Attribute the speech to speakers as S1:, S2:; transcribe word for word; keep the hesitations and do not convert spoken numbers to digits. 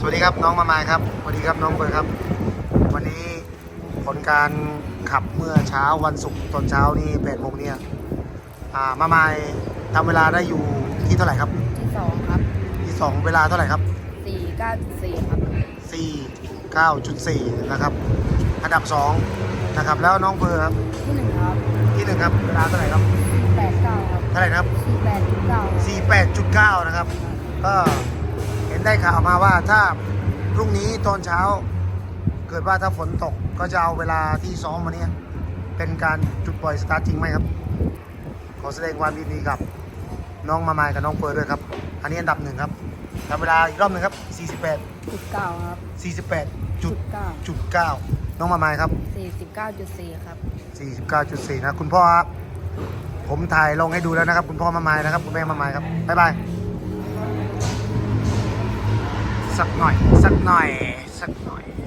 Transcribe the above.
S1: สวัสดีครับน้องมามายครับสวัสดีครับน้องเบิร์ดครับวันนี้ผลการขับเมื่อเช้าวันศุกร์ตอนเช้านี่แปดโมงเนี่ยอ่ามามายทำเวลาได้อยู่ที่เท่าไหร่ครับ
S2: ที่สองครับ
S1: ที่สองเวลาเท่าไหร่ครับ
S2: สี่เก้าจุดสี่ครับ
S1: สี่เก้าจุดสี่นะครับอันดับสองนะครับแล้วน้องเบิร์ดครับ
S2: ที่หนึ่งครับ
S1: ที่หนึ่งครับเวลาเท่าไหร่ครับ
S2: แปดเก้าครับ
S1: เท่าไหร่ครับ
S2: สี่แปดจุดเก้า
S1: สี่แปดจุดเก้านะครับก็เห็นได้ข่าวมาว่าถ้าพรุ่งนี้ตอนเช้าเกิดว่าถ้าฝนตกก็จะเอาเวลาที่ซ้อมวันนี้เป็นการจุดปล่อยสตาร์ทจริงไหมครับขอแสดงความยินดีกับน้องมามายกับน้องเฟิร์นด้วยครับอันนี้อันดับหนึ่งครับทำเวลาอีกรอบหนึ่งครับสี่สิบแปด
S2: จุดเก้าครับ
S1: สี่สิบแปดจุด
S2: เก้า
S1: จุดเก้าน้องมามายครับ
S2: สี่สิบเก้าจุดสี่ครับ
S1: สี่สิบเก้าจุดสี่นะคุณพ่อครับผมถ่ายลงให้ดูแล้วนะครับคุณพ่อมามายนะครับคุณแม่มามายครับบ๊ายบายสักหน่อยสักหน่อยสักหน่อย